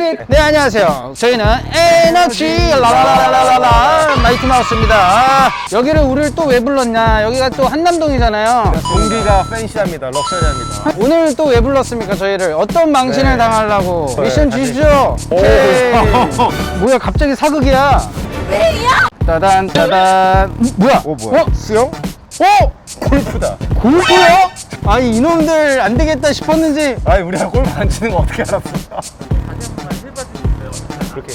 뮤직. 네, 안녕하세요. 저희는 에너지 라라라라라라 마이티 마우스입니다. 여기를 우리를 또 왜 불렀냐? 여기가 또 한남동이잖아요. 공기가 팬시합니다. 럭셔리합니다. 오늘 또 왜 불렀습니까? 저희를 어떤 망신을 네. 당하려고 네, 미션 주시죠. 오케이. 뭐야, 갑자기 사극이야? 따단 따단. 뭐야? 뭐야? 수영? 골프다. 골프요? 아니, 이놈들 안 되겠다 싶었는지. 아니 우리가 골프 안 치는 거 어떻게 알았어? 그렇게.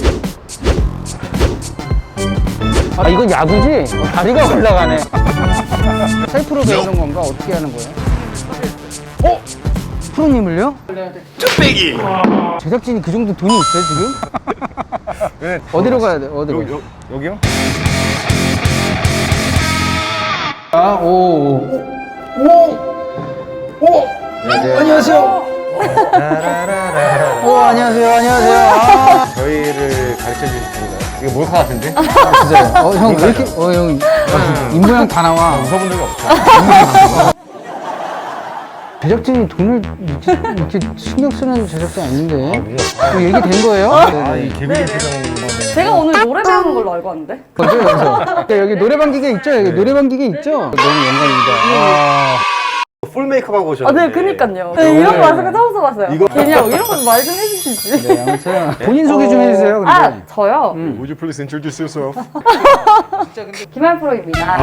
아, 이건 야구지? 다리가 올라가네. 셀프로 배우는 건가? 어떻게 하는 거예요? 프로님을요? 쭈빼기. 제작진이 그 정도 돈이 있어요, 지금? 네. 어디로 가야 돼? 어디로? 여기요? 아, 오. 안녕하세요. 안녕하세요. 안녕하세요. 아, 저희를 가르쳐 주실 분인가요? 이거 몰카 같은데? 진짜요? 형, 왜 이렇게, 형, 입모양 다 나와. 웃어본 적이 없죠. 제작진이 돈을 이렇게 신경 쓰는 제작진 아닌데. 뭐 얘기 된 거예요? 이 개구리 표정. 제가 오늘 노래 배우는 걸로 알고 왔는데? 어디요, 여기서? 여기 노래방 기계 있죠? 여기 노래방 기계 있죠? 너무 영광입니다. 풀 메이크업 하고 아, 오셨는데. 네, 그니까요. 네, 이런 거 마스크 처음 써봤어요. 이거- 그냥 이런 거 말 좀 해주시지. 네, 아무튼 본인 소개 좀 해주세요. 근데. 아, 저요? Would you please introduce yourself? 김할 프로입니다.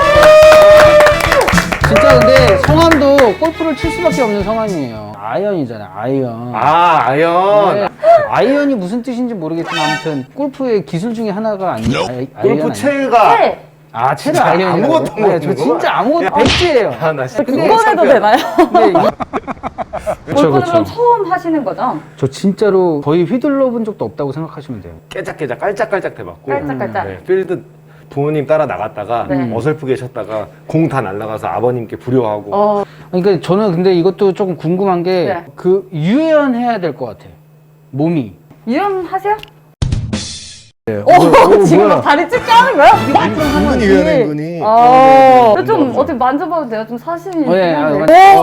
진짜 근데 성함도 골프를 칠 수밖에 없는 성함이에요. 아이언이잖아요. 아이언. 아연. 네. 아이언이 무슨 뜻인지 모르겠지만 아무튼 골프의 기술 중에 하나가 아니에요. 골프 채가. 네. 아, 채를 진짜 아이언이라고. 아무것도 네, 저 모르는 진짜 아무것도 야. 백지예요. 아, 나 진짜 그건 해도 되나요? 네, 골프는 그럼 처음 하시는 거죠? 저 진짜로 거의 휘둘러 본 적도 없다고 생각하시면 돼요. 깨작깨작 깔짝깔짝 대봤고. 깔짝깔짝. 네, 필드 부모님 따라 나갔다가 네. 어설프게 쳤다가 공 다 날아가서 아버님께 불효하고. 그러니까 저는 근데 이것도 조금 궁금한 게 네. 그 유연해야 될 것 같아요. 몸이. 유연하세요? 네. 지금 막 다리 찢겨 하는 거야? 은근히 유연해 은근히. 좀 어떻게 만져봐도 돼요? 좀 사심이 네. 있는데.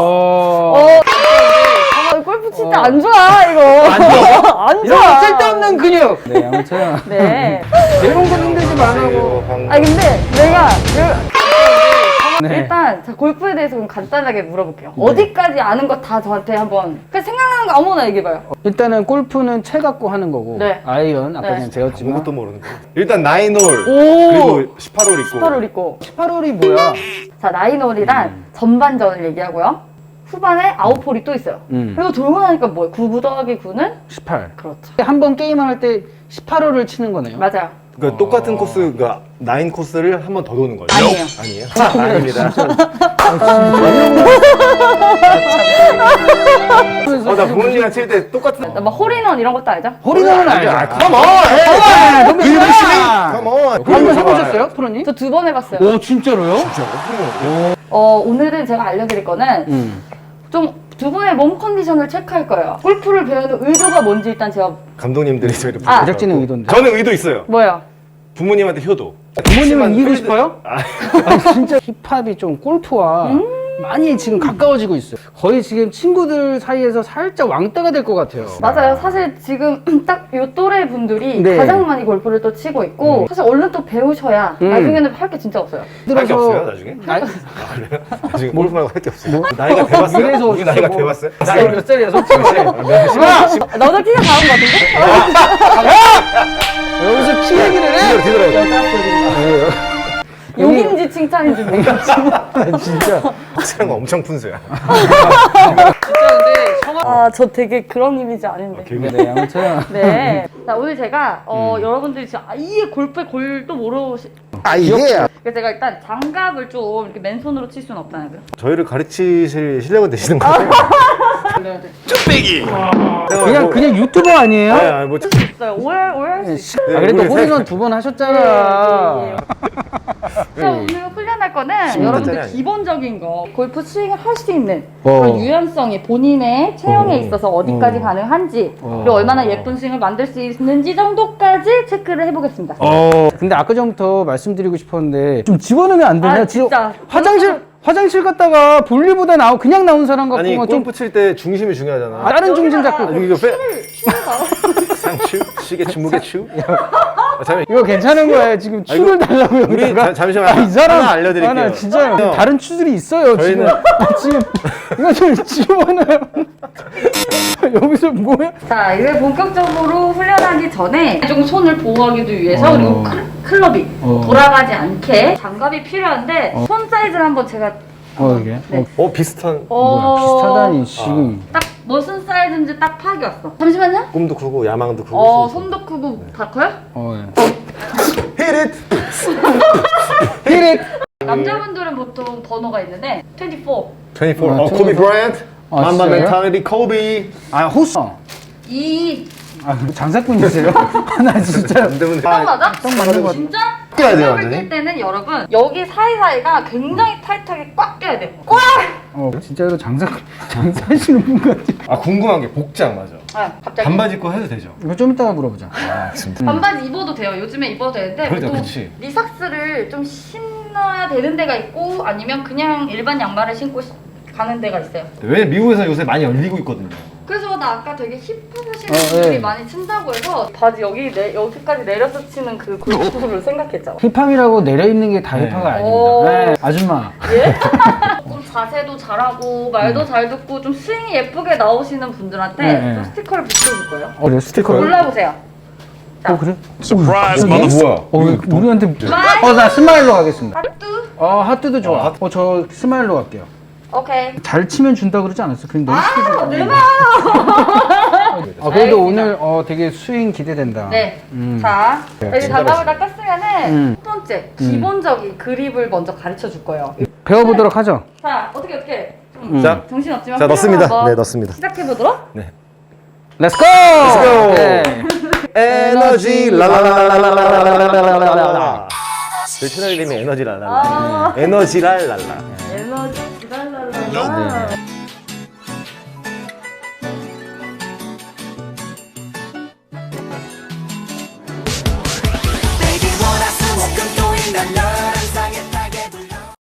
골프 칠 때 안 좋아, 이거. 안 이런 좋아. 거 쓸데없는 근육. 네, 아무튼 네. 이런 거 힘들지 말라고. 아니, 근데 내가 네. 일단 자, 골프에 대해서 좀 간단하게 물어볼게요. 어디까지 아는 거 다 저한테 한번 그냥 생각나는 거 아무거나 얘기해봐요. 일단은 골프는 채 갖고 하는 거고 네. 아이언 아까 네. 그냥 배웠지만 아무것도 모르는 거. 일단 9홀 오. 그리고 18홀 있고. 18홀 있고 18홀이 뭐야? 자 9홀이란 전반전을 얘기하고요. 후반에 9홀이 또 있어요. 그리고 돌고 나니까 뭐예요? 9 더하기 9는? 18. 그렇죠. 한 번 게임을 할 때 18홀을 치는 거네요. 맞아요. 그러니까 똑같은 코스, 그러니까 9 코스를 한 번 더 도는 거예요. 아니에요. 아니에요? 아닙니다. 나 부모님이랑 칠 때 똑같은. 막 홀인원 이런 것도 알죠? 홀인원은 알죠. 컴온! 너무 싫어. 컴온! 한번 해보셨어요, 프로님? 저 2번 해봤어요. 오, 진짜로요? 오늘은 제가 알려드릴 거는 좀 두 분의 몸 컨디션을 체크할 거예요. 골프를 배우는 의도가 뭔지 일단 제가 감독님들이 저희를 아. 제작진의 의도인데. 저는 의도 있어요. 뭐예요? 부모님한테 효도. 부모님은 이기고 필드- 싶어요? 아, 아니, 진짜 힙합이 좀 골프와 많이 지금 가까워지고 있어요. 거의 지금 친구들 사이에서 살짝 왕따가 될 것 같아요. 맞아요. 사실 지금 딱 요 또래 분들이 네. 가장 많이 골프를 또 치고 있고 사실 얼른 또 배우셔야 나중에는 할 게 진짜 없어요. 할 게 없어요, 나중에? 나이, 나중에 골프 말고 할 게 없어요. 나이가 돼봤어요? 그래서 우리 나이가 뭐- 돼봤어요? 나이 몇 살이야, 솔직히. 너도 키가 작은 것 같은데? 여기서 키 얘기를 해? 뒤돌아요. 욕인지 칭찬인지 모르겠지만 진짜. 확실한 거 엄청 푼수야. 진짜 근데 성함. 아, 저 되게 그런 이미지 아닌데. 네, 아무튼. 네. 자, 오늘 제가 여러분들이 지금 아예 골프의 골도 모르시 아, 이게? 그래서 제가 일단 장갑을 좀 이렇게 맨손으로 칠 수는 없다는 거예요. 저희를 가르치실 실력은 되시는 거예요? 그냥 유튜버 아니에요? 네, 아니, 뭐, 있어요. 오해할 수 있어요. 아, 그래도 우리 홀인원 2번 하셨잖아. 자, 오늘 훈련할 거는 여러분들 기본적인 거 골프 스윙을 할 수 있는 그런 유연성이 본인의 체형에 있어서 어디까지 가능한지 그리고 얼마나 예쁜 스윙을 만들 수 있는지 정도까지 체크를 해보겠습니다. 근데 아까 전부터 말씀드리고 싶었는데 좀 집어넣으면 안 되나요? 아, 진짜. 화장실 화장실 갔다가 볼일보다 그냥 나온 사람 같고 아니 좀 골프 칠 때 중심이 중요하잖아. 다른 중심 잡고 아니, 이거 빼. 상추? 시계추, 무게추? 잠깐 이거 괜찮은 거예요. 지금 추를 달라고 우리 여기다가. 잠시만 이 사람 하나 알려드릴게요. 나 진짜 형. 다른 추들이 있어요. 지금 지금 이거 좀 집어넣어요. 여기서 뭐야? 자, 이제 본격적으로 훈련하기 전에 조금 손을 보호하기도 위해서 그리고 클럽이 돌아가지 않게 장갑이 필요한데 손 사이즈를 한번 제가 이게 네. 비슷한. 뭐야, 비슷하다니 지금. 딱 무슨 사이즈인지 딱 파악이 왔어. 잠시만요. 꿈도 크고 야망도 크고. 손도 크고 다 커요? 예. Hit it! 히릿. 남자분들은 보통 번호가 있는데 24. 24. 아, 코비 브라이언트. 아, 맘마 진짜요? 멘탈리티 코비. 호수. 2. 장사꾼이세요? 나 진짜. 딱 맞아? 딱 맞는 것 같아. 진짜? 껴야 돼요, 클럽을 완전히? 낄 때는 여러분 여기 사이사이가 굉장히 타이트하게 꽉 껴야 돼요. 꽉! 진짜로 장사하시는 분 같아. 궁금한 게 복장 맞아. 갑자기? 반바지 입고 해도 되죠? 이거 좀 이따가 물어보자. 아 진짜. 반바지 입어도 돼요. 요즘에 입어도 되는데 그러니까, 보통 그치. 리삭스를 좀 신어야 되는 데가 있고 아니면 그냥 일반 양말을 신고 가는 데가 있어요. 왜냐면 미국에서 요새 많이 열리고 있거든요. 그래서 나 아까 되게 힙하시는 네. 분들이 많이 친다고 해서 바지 여기까지 내려서 치는 그 골프를 생각했죠. 힙합이라고 내려있는 게 다 네. 힙합이 오. 아닙니다. 네, 아줌마. 예? 좀 자세도 잘하고 말도 잘 듣고 좀 스윙이 예쁘게 나오시는 분들한테 네. 좀 스티커를 붙여줄 거예요. 그래 스티커를? 골라보세요. 자, 그래? Surprise, 뭐야? 우리한테 스마일? 나 스마일로 가겠습니다. 하뚜? 하트도 좋아. 저 스마일로 갈게요. 오케이. 잘 치면 준다 그러지 않았어? 그냥 너무 쉽게 줘. 내가! 그래도 알겠습니다. 오늘 되게 스윙 기대된다. 네. 자, 여기 장갑을 다 음. 꼈으면은 첫 번째, 기본적인 그립을 먼저 가르쳐 줄 거예요. 배워보도록 하죠. 자, 어떻게. 자, 정신없지만 자 넣습니다. 한번 네 넣습니다. 시작해보도록. 네. 렛츠고! go! 네. 에너지 랄랄랄랄랄랄랄랄랄랄랄랄랄. 제 채널 이름이 에너지 랄랄라. 에너지 랄랄라. 에너지 지랄랄랄라.